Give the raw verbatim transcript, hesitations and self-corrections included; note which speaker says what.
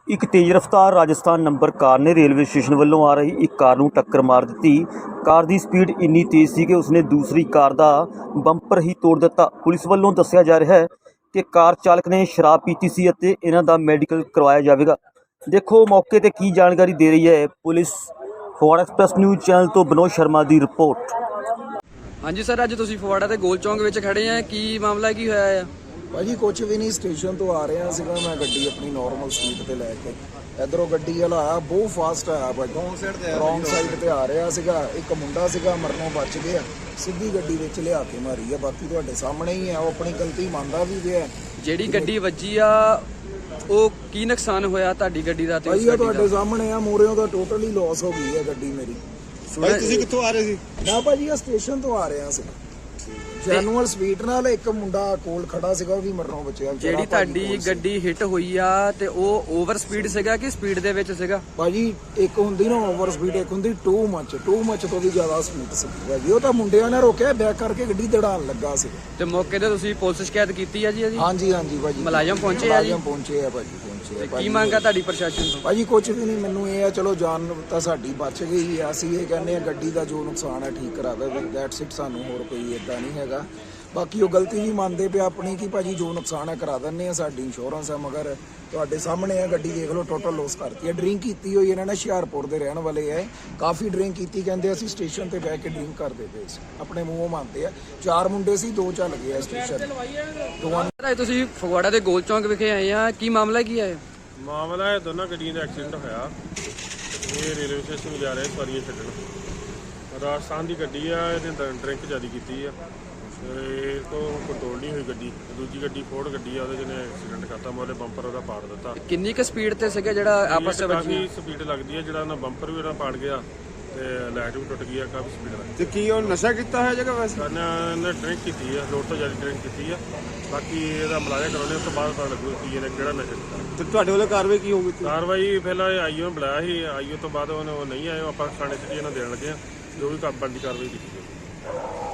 Speaker 1: ਇੱਕ ਤੇਜ਼ ਰਫ਼ਤਾਰ ਰਾਜਸਥਾਨ ਨੰਬਰ ਕਾਰ ਨੇ ਰੇਲਵੇ ਸਟੇਸ਼ਨ ਵੱਲੋਂ ਆ ਰਹੀ ਇੱਕ ਕਾਰ ਨੂੰ ਟੱਕਰ ਮਾਰ ਦਿੱਤੀ। ਕਾਰ ਦੀ ਸਪੀਡ ਇੰਨੀ ਤੇਜ਼ ਸੀ ਕਿ ਉਸਨੇ ਦੂਸਰੀ ਕਾਰ ਦਾ ਬੰਪਰ ਹੀ ਤੋੜ ਦਿੱਤਾ। ਪੁਲਿਸ ਵੱਲੋਂ ਦੱਸਿਆ ਜਾ ਰਿਹਾ ਹੈ ਕਿ ਕਾਰ ਚਾਲਕ ਨੇ ਸ਼ਰਾਬ ਪੀਤੀ ਸੀ ਅਤੇ ਇਹਨਾਂ ਦਾ ਮੈਡੀਕਲ ਕਰਵਾਇਆ ਜਾਵੇਗਾ। ਦੇਖੋ ਮੌਕੇ ਤੇ ਕੀ ਜਾਣਕਾਰੀ ਦੇ ਰਹੀ ਹੈ police. Phagwara express news channel ਤੋਂ ਵਿਨੋਦ ਸ਼ਰਮਾ ਦੀ ਰਿਪੋर्ट।
Speaker 2: हाँ जी सर, अज तुसीं फगवाड़ा ते गोल चौंक विच खड़े हैं, की मामला की होया है?
Speaker 3: भाजी कुछ भी नहीं, स्टेशन तो आ रहा सीगा मैं गड्डी अपनी नॉर्मल स्पीड ते लैके इधरों गड्डी वाला आया बहुत फास्ट आया भाजी, रॉन्ग साइड ते आ रहा सीगा। एक मुंडा सीगा मरनों बच गया, सीधी गड्डी विच लिया के मारी है। बाकी तुहाडे सामने ही है, वो अपनी गलती मानदा भी पिया।
Speaker 2: ਜਿਹੜੀ ਗੱਡੀ ਵੱਜੀ ਆ ਉਹ ਕੀ ਨੁਕਸਾਨ ਹੋਇਆ ਤੁਹਾਡੀ ਗੱਡੀ ਦਾ? ਤੇ
Speaker 3: भाई ये तुहाडे सामने है, मोरियों दा टोटली लॉस हो गई है गड्डी मेरी।
Speaker 4: भाई ਤੁਸੀਂ ਕਿੱਥੋਂ ਆ ਰਹੇ ਸੀ?
Speaker 3: ना भाजी ये स्टेशन तो आ रहा ਸੀ ਜੈਨੂਅਲ ਸਪੀਡ ਨਾਲ। ਇੱਕ ਮੁੰਡਾ ਕੋਲ ਖੜਾ ਸੀਗਾ, ਉਹ ਵੀ ਮਰਨੋਂ ਬਚਿਆ।
Speaker 2: ਜਿਹੜੀ ਤੁਹਾਡੀ ਗੱਡੀ ਹਿੱਟ ਹੋਈ ਆ ਤੇ ਉਹ ਓਵਰ ਸਪੀਡ ਸੀਗਾ ਕਿ ਸਪੀਡ ਦੇ ਵਿੱਚ ਸੀਗਾ?
Speaker 3: ਭਾਜੀ ਇੱਕ ਹੁੰਦੀ ਨਾ ਓਵਰ ਸਪੀਡ, ਇੱਕ ਹੁੰਦੀ ਟੂ ਮੱਚ। ਟੂ ਮੱਚ ਤੋਂ ਵੀ ਜ਼ਿਆਦਾ ਸਪੀਡ ਸੀ ਭਾਜੀ। ਉਹ ਤਾਂ ਮੁੰਡਿਆਂ ਨੇ ਰੋਕਿਆ, ਬੈਕ ਕਰਕੇ ਗੱਡੀ ਦੜਾਉਣ ਲੱਗਾ ਸੀ।
Speaker 2: ਤੇ ਮੌਕੇ ਤੇ ਤੁਸੀਂ ਪੁਲਿਸ ਸ਼ਿਕਾਇਤ ਕੀਤੀ ਆ ਜੀ? ਇਹਦੀ
Speaker 3: ਹਾਂਜੀ ਹਾਂਜੀ ਭਾਜੀ,
Speaker 2: ਮੁਲਾਜ਼ਮ ਪਹੁੰਚੇ ਆ ਜੀ?
Speaker 3: ਮੁਲਾਜ਼ਮ ਪਹੁੰਚੇ ਆ ਭਾਜੀ, ਪਹੁੰਚੇ ਆ।
Speaker 2: ਕੀ ਮੰਗ ਆ ਤੁਹਾਡੀ ਪ੍ਰਸ਼ਾਸਨ ਤੋਂ?
Speaker 3: ਭਾਜੀ ਕੁਝ ਵੀ ਨਹੀਂ, ਮੈਨੂੰ ਇਹ ਆ ਚਲੋ ਜਾਨ ਤਾਂ ਸਾਡੀ ਬਚ ਗਈ ਆ। ਅਸੀਂ ਇਹ ਕਹਿੰਦੇ ਆ ਗੱਡੀ ਦਾ ਜੋ ਨੁਕਸਾਨ ਹੈ ਠੀਕ ਕਰਾਵੇ, ਦੈਟਸ ਇਟ। ਸਾਨੂੰ ਹੋਰ ਕੋਈ ਇਦਾਂ ਨਹੀਂ ਹੈਗਾ। ਬਾਕੀ ਉਹ ਗਲਤੀ ਵੀ ਮੰਨਦੇ ਪਿਆ ਆਪਣੀ ਕਿ ਭਾਜੀ ਜੋ ਨੁਕਸਾਨ ਹੈ ਕਰਾ ਦਿੰਦੇ ਆ, ਸਾਡੀ ਇੰਸ਼ੋਰੈਂਸ ਹੈ। ਮਗਰ ਤੁਹਾਡੇ ਸਾਹਮਣੇ ਆ ਗੱਡੀ ਦੇਖ ਲਓ, ਟੋਟਲ ਲੋਸ ਕਰਤੀ ਹੈ। ਡਰਿੰਕ ਕੀਤੀ ਹੋਈ ਇਹਨਾਂ ਨੇ, ਹੁਸ਼ਿਆਰਪੁਰ ਦੇ ਰਹਿਣ ਵਾਲੇ ਹੈ। ਕਾਫੀ ਡਰਿੰਕ ਕੀਤੀ, ਕਹਿੰਦੇ ਅਸੀਂ ਸਟੇਸ਼ਨ ਤੇ ਬਹਿ ਕੇ ਡਰਿੰਕ ਕਰਦੇ ਪਏ ਸੀ, ਆਪਣੇ ਮੂੰਹੋਂ ਮੰਨਦੇ ਆ। ਚਾਰ ਮੁੰਡੇ ਸੀ, ਦੋ ਚੱਲ ਗਏ ਆ ਸਟੇਸ਼ਨ ਦੋਵਾਂ।
Speaker 2: ਤੁਸੀਂ ਫਗਵਾੜਾ ਦੇ ਗੋਲ ਚੌਂਕ ਵਿਖੇ ਆਏ ਆ, ਕੀ ਮਾਮਲਾ ਕੀ ਹੈ?
Speaker 4: ਮਾਮਲਾ ਹੈ ਦੋਨਾਂ ਗੱਡੀਆਂ ਦਾ ਐਕਸੀਡੈਂਟ ਹੋਇਆ। ਇਹ ਰੇਲਵੇ ਸਟੇਸ਼ਨ ਜਾ ਰਹੇ ਸਵਾਰੀਆਂ ਛੱਡਣ। ਰਾਜਸਥਾਨ ਦੀ ਗੱਡੀ ਆ, ਇਹਨੇ ਡਰਿੰਕ ਜ਼ਿਆਦਾ ਕੀਤੀ ਆ। ਇਹ ਤੋਂ ਕੰਟਰੋਲ ਨਹੀਂ ਹੋਈ ਗੱਡੀ। ਦੂਜੀ ਗੱਡੀ ਫੋਰਡ ਗੱਡੀ ਆ, ਉਹਦੇ ਜਿਹਨੇ ਐਕਸੀਡੈਂਟ ਕਰਤਾ। ਮੈਂ ਉਹਦੇ ਬੰਪਰ ਉਹਦਾ ਪਾੜ ਦਿੱਤਾ।
Speaker 2: ਕਿੰਨੀ ਕੁ ਸਪੀਡ ਤੇ ਸੀਗਾ ਜਿਹੜਾ ਆਪਸ ਵਿੱਚ?
Speaker 4: ਕਾਫੀ ਸਪੀਡ ਲੱਗਦੀ ਹੈ, ਜਿਹੜਾ ਉਹਨਾਂ ਬੰਪਰ ਵੀ ਉਹਦਾ ਪਾੜ ਗਿਆ ਤੇ ਲਾਈਟ ਵੀ ਟੁੱਟ ਗਈ ਆ। ਕਾਫੀ ਸਪੀਡ ਲੱਗਦੀ।
Speaker 5: ਤੇ ਕੀ ਉਹ ਨਸ਼ਾ ਕੀਤਾ ਹੈ ਜਗ੍ਹਾ ਵੈਸੇ?
Speaker 4: ਇਹਨੇ ਡਰਿੰਕ ਕੀਤੀ ਆ, ਲੋੜ ਤੋਂ ਜ਼ਿਆਦਾ ਡਰਿੰਕ ਕੀਤੀ ਆ। ਬਾਕੀ ਇਹਦਾ ਮੁਲਾਜ਼ਾ ਕਰਾਉਣੇ, ਉਸ ਤੋਂ ਬਾਅਦ ਪਤਾ ਲੱਗੂ ਕੀ ਇਹਨੇ ਕਿਹੜਾ ਨਸ਼ਾ ਕੀਤਾ।
Speaker 5: ਤੇ ਤੁਹਾਡੇ ਵੱਲੋਂ ਕਾਰਵਾਈ ਕੀ ਹੋਊਗੀ?
Speaker 4: ਕਾਰਵਾਈ ਪਹਿਲਾਂ ਆਈਓ ਨੂੰ ਬੁਲਾਇਆ ਸੀ, ਆਈਓ ਤੋਂ ਬਾਅਦ ਉਹਨੇ ਉਹ ਨਹੀਂ ਆਏ। ਆਪਾਂ ਥਾਣੇ 'ਚ ਇਹਨਾਂ ਦੇਣ ਲੱਗੇ ਆ, ਜੋ ਵੀ ਬਣਦੀ ਕਾਰਵਾਈ ਕੀਤੀ ਜਾਵੇ।